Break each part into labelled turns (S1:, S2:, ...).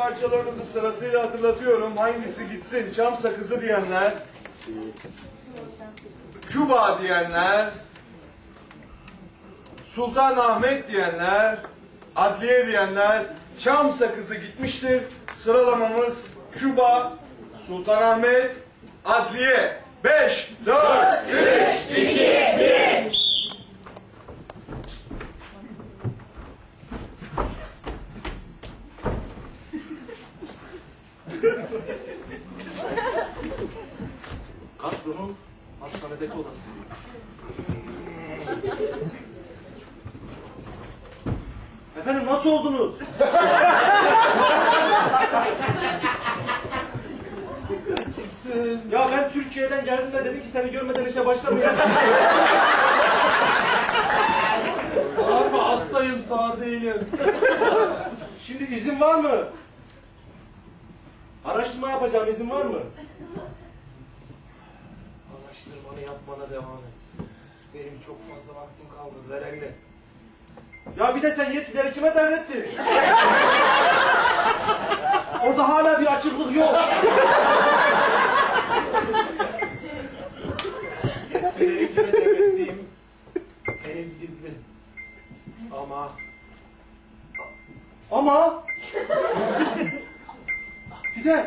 S1: parçalarınızı sırasıyla hatırlatıyorum. Hangisi gitsin? Çam sakızı diyenler, Küba diyenler, Sultanahmet diyenler, adliye diyenler, çam sakızı gitmiştir. Sıralamamız Küba, Sultanahmet, adliye. 5, 4, 3, 2, 1.
S2: Kastro'nun hastanedeki odası. Efendim nasıl oldunuz?
S3: Kimsin?
S2: Ya ben Türkiye'den geldim de dedi ki seni görmeden işe başlamayacağım.
S3: Bağırma, hastayım, sağır değilim.
S2: Şimdi izin var mı? Araştırma yapacağım, izin var mı?
S3: Araştırmanı yapmana devam et. Benim çok fazla vaktim kalmadı, ver eline.
S2: Ya bir de sen yetkileri kime devrettin? Orada hala bir açıklık yok.
S3: Yetkileri kime devrettiğim henüz gizli.
S2: Ama... Fidel!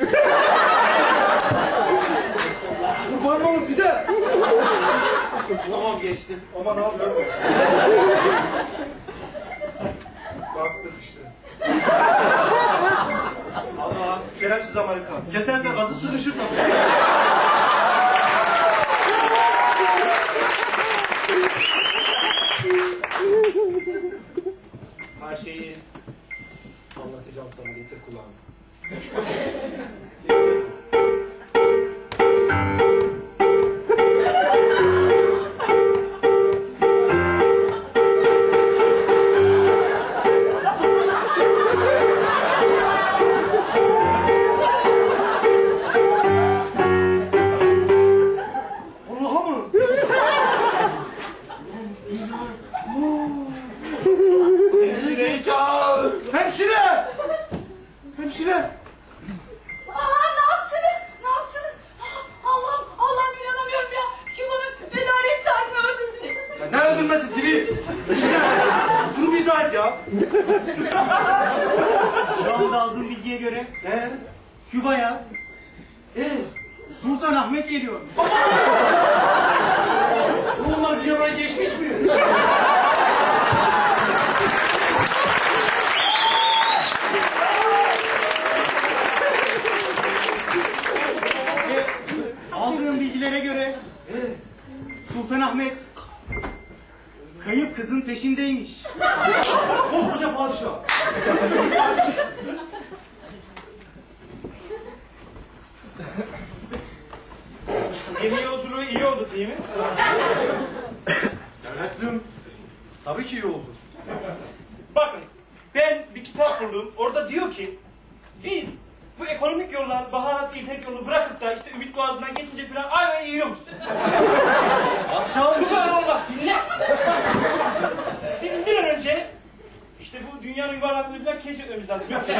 S2: Kurban olun Fidel!
S3: Tamam, geçtim.
S2: Aman abi.
S3: Gaz sıkıştı.
S2: Ama şerefsiz Amerikan. Kesersen gazı sıkışır da.
S3: Her şeyi anlatacağım sana, getir kulağını. Hemşireyi çağır!
S2: Hemşire! Hemşire!
S4: Ne yaptınız? Ne yaptınız? Allah'ım inanamıyorum ya. Küba'nın velayet tarihini öldürdünüz.
S2: Ya ne öldürmesi diri? Bunu bir izah et ya.
S5: Şu anda aldığım bilgiye göre Küba'ya Sultanahmet geliyor.
S2: Bunlar bir oraya geçmiş mi?
S5: Aldığım bilgilere göre Sultanahmet kayıp kızın peşindeymiş.
S2: Koskoca padişah.
S5: Gemi yolculuğu iyi oldu değil mi?
S2: Devletlüm. Tabii ki iyi oldu.
S6: Bakın, ben bir kitap buldum. Orada diyor ki, biz bu ekonomik yollar, baharatlı İpek yolunu bırakıp da işte Ümit Boğazı'ndan geçince falan ayvayı yiyormuş.
S2: Akşam
S6: Bu kadar olmaz, dinle. Bizim bir an önce işte bu dünyanın yuvarlaklığını falan keşfetmemiz lazım. Yoksa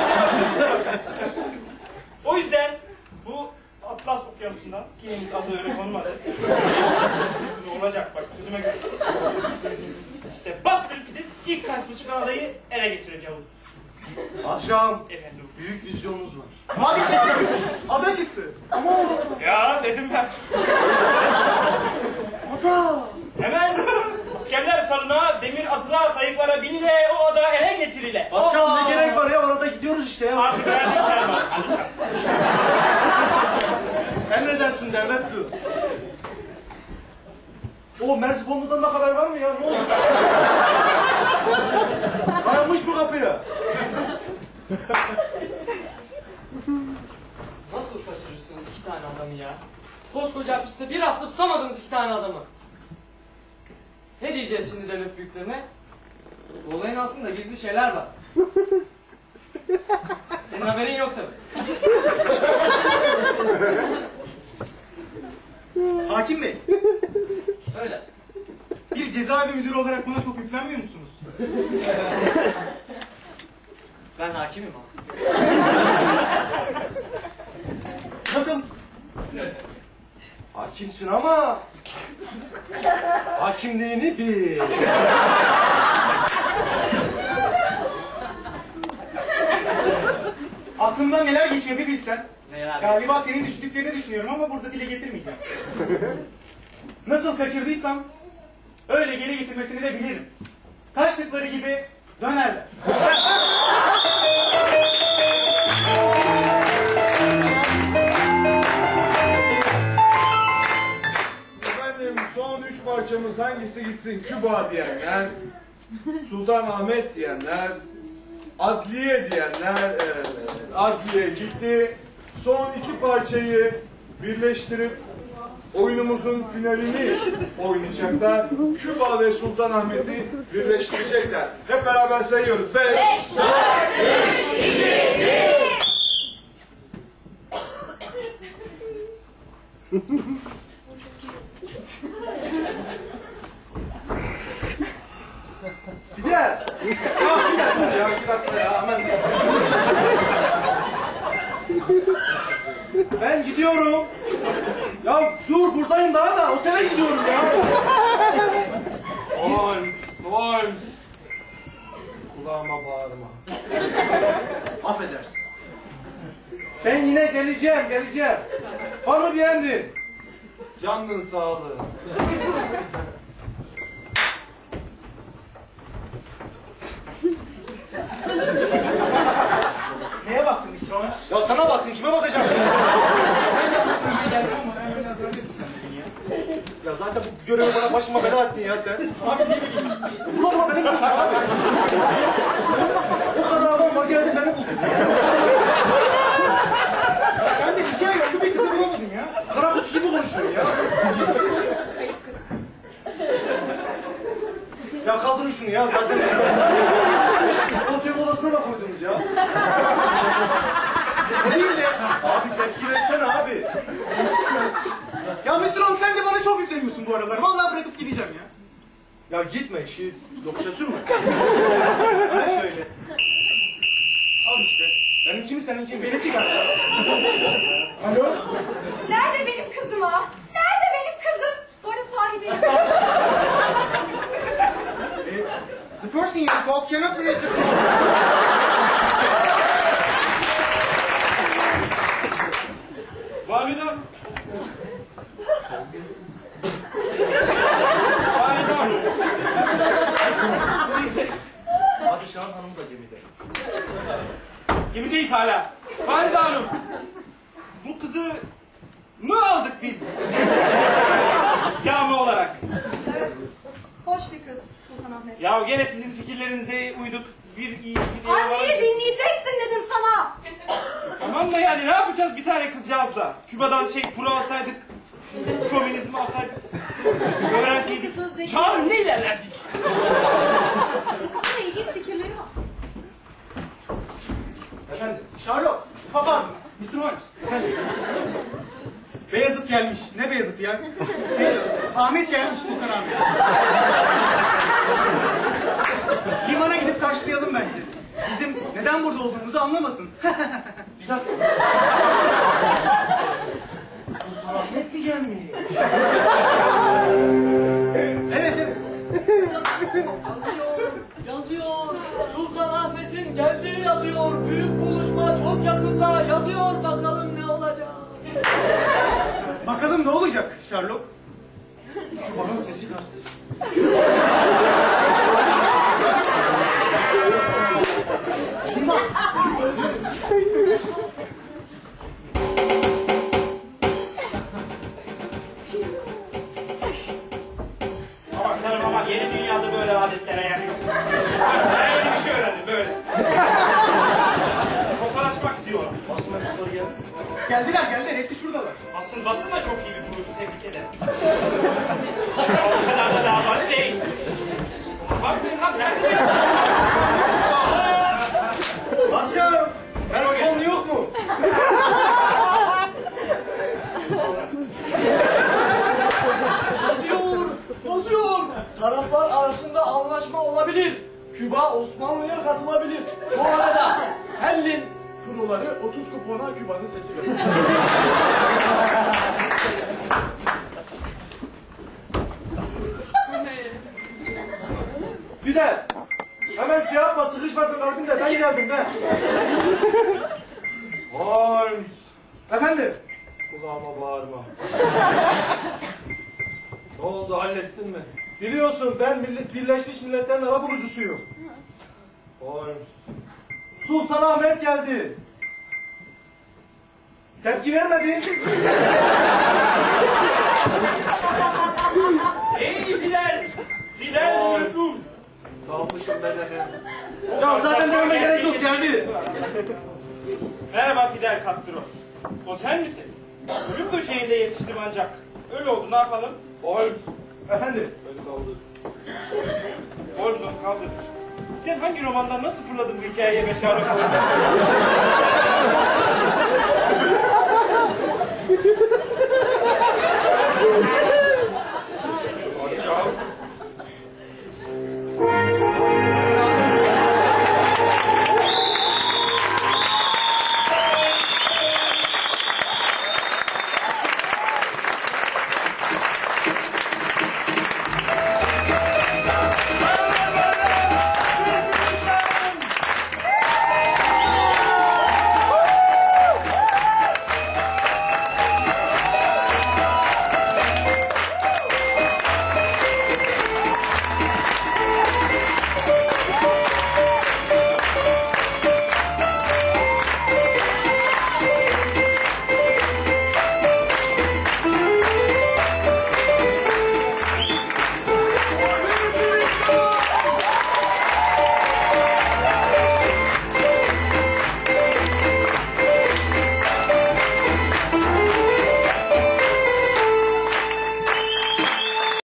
S6: o yüzden bu Atlas Okyanusu'ndan, ki henüz adı öyle konmadı. Olacak bak, sözüme göre. İşte bastırıp gidip ilk Kaspuçuk adayı ele geçireceğiz.
S2: Akşam
S6: Efendim.
S2: büyük vizyonumuz var.
S5: Hadi çıktı. Ada çıktı.
S6: Ya dedim ben. Hemen askerler salına, demir atıla, kayıklara binile, o adaya ele geçirile.
S2: Akşam ne gerek var ya, orada gidiyoruz işte ya.
S6: Artık her şey tamam.
S2: Emredersin devletlüm. O Merzifonlu'dan da haber var mı ya? Ne oldu? Dayanmış mı kapıya?
S7: Nasıl kaçırırsınız iki tane adamı ya? Koskoca hapiste bir hafta tutamadınız iki tane adamı. Ne diyeceğiz şimdi devlet büyüklerine? Bu olayın altında gizli şeyler var. Senin haberin yok tabii.
S5: Hakim Bey,
S7: Öyle.
S5: bir cezaevi müdürü olarak bana çok yüklenmiyor musunuz?
S7: Ben hakimim abi.
S2: çirkinsin ama hakimliğini bil.
S5: Aklımdan neler geçiyor bir bilsen.
S3: Neler?
S5: Galiba senin düşündüklerini düşünüyorum ama burada dile getirmeyeceğim. Nasıl kaçırdıysam öyle geri getirmesini de bilirim. Kaçtıkları gibi dönerler.
S1: Efendim son 3 parçamız hangisi gitsin? Küba diyenler, Sultanahmet diyenler, Adliye diyenler, Adliye gitti. Son 2 parçayı birleştirip oyunumuzun finalini oynayacaklar. Küba ve Sultanahmet'i birleştirecekler. Hep beraber sayıyoruz. 5, 4, 3, 2, 1.
S2: Gider. Ya gider dur ya 2 dakika ya hemen. Ben gidiyorum. Ya dur buradayım daha da otele gidiyorum ya.
S6: Holmes. Kulağıma bağırma.
S2: Affedersin. Ben yine geleceğim. Var mı bir emrin?
S6: Canın sağlığı.
S5: Neye baktın Mr. Holmes?
S2: Ya sana baktın kime bakacağım? Ya zaten bu görevi bana başıma bela ettin ya sen.
S5: Abi ne bileyim.
S2: Ulan beni buldun abi. O kadar adam var geldi beni buldun.
S5: Sen de 2 ay oldu bir kızı bulamadın ya.
S2: Kara kutu gibi konuşuyor ya.
S4: Kayıp kız.
S2: Ya kaldırın şunu ya zaten. Otel odasına da koydunuz ya. Değil de. Abi tepki versene abi.
S5: Ya Mr. Holmes sen de bana çok yükleniyorsun bu aralar. Vallahi bırakıp gideceğim ya.
S2: Ya gitme işi yokuşa sürme.
S5: Ha şöyle. Al işte.
S2: Benimki mi seninki mi?
S5: Benimki galiba. Alo?
S4: Nerede benim kızım ha? Nerede benim kızım? Bu arada sahi değilim.
S5: The person you called cannot reach the phone.
S6: Validem. Validem.
S2: Padişahın hanımı da gemide.
S6: Gemideyiz hala. Valide Hanım. Bu kızı mı aldık biz? Yağma olarak.
S4: Evet. Hoş bir kız Sultanahmet.
S6: Ya gene sizin fikirlerinize uyduk. Bir iyi bir diye
S4: Anneyi dinleyeceksin dedim sana.
S6: Tamam da yani ne yapacağız bir tane kızcağızla? Küba'dan kuru alsaydık, komünizmi alsaydık, öğrenseydik,
S4: Kızın zeki.
S6: çağın ne ilerlerdik?
S4: Bu kızın ilginç fikirleri var.
S5: Efendim? Charlotte. Papa. Mr. Holmes. Efendim? Beyazıt gelmiş. Ne Beyazıt ya? Ahmet gelmiş Sultanahmet. Limana gidip karşılayalım bence. Bizim neden burada olduğumuzu anlamasın.
S2: Bir dakika. Sultanahmet mi gelmiş?
S5: Evet.
S7: Yazıyor. Sultanahmet'in geldiği yazıyor. Büyük buluşma çok yakında yazıyor. Bakalım ne olacak.
S5: Bakalım ne olacak Charlotte?
S2: Küba'nın sesi gazete.
S6: Ama canım ama yeni dünyada böyle adetlere yer yok. Ben yeni bir şey öğrendim böyle. Tokalaşmak diyorlar.
S2: Basın mensupları geldi.
S5: Geldiler. Hepsi şuradalar.
S6: Basın da çok iyi bir kuruluş, tebrik ederim. O kadar da davalı değil. Bakmayın lan, nerede benim?
S2: Basya! Personel yok mu?
S7: Yazıyor. Taraflar arasında anlaşma olabilir. Küba Osmanlı'ya katılabilir. Bu arada Hellin kuruları 30 kupona Küba'nın sesi götürüyor.
S2: Fidel. Hemen şey yapma, sıkışmasın kalbin de ben geldim ben.
S3: Holmes.
S2: Efendim?
S3: Kulağıma bağırma. Ne oldu, hallettin mi?
S2: Biliyorsun ben Birleşmiş Milletler'in arabulucusuyum.
S3: Holmes.
S2: Sultanahmet geldi. Tepki vermedin.
S6: Ey Fidel! Fidel
S3: Oy.
S6: Liverpool!
S3: Kalmışım ben de.
S2: Ya zaten dememe gerek yok, geldi.
S6: Merhaba Fidel Castro. O sen misin? Ölüm döşeğinde yetiştim ancak. Öyle oldu, ne yapalım?
S3: Holmes.
S2: Efendim?
S3: Beni kaldır.
S6: Oldu, kaldır. Sen hangi romandan nasıl fırladın bu hikayeye beşaret oldun?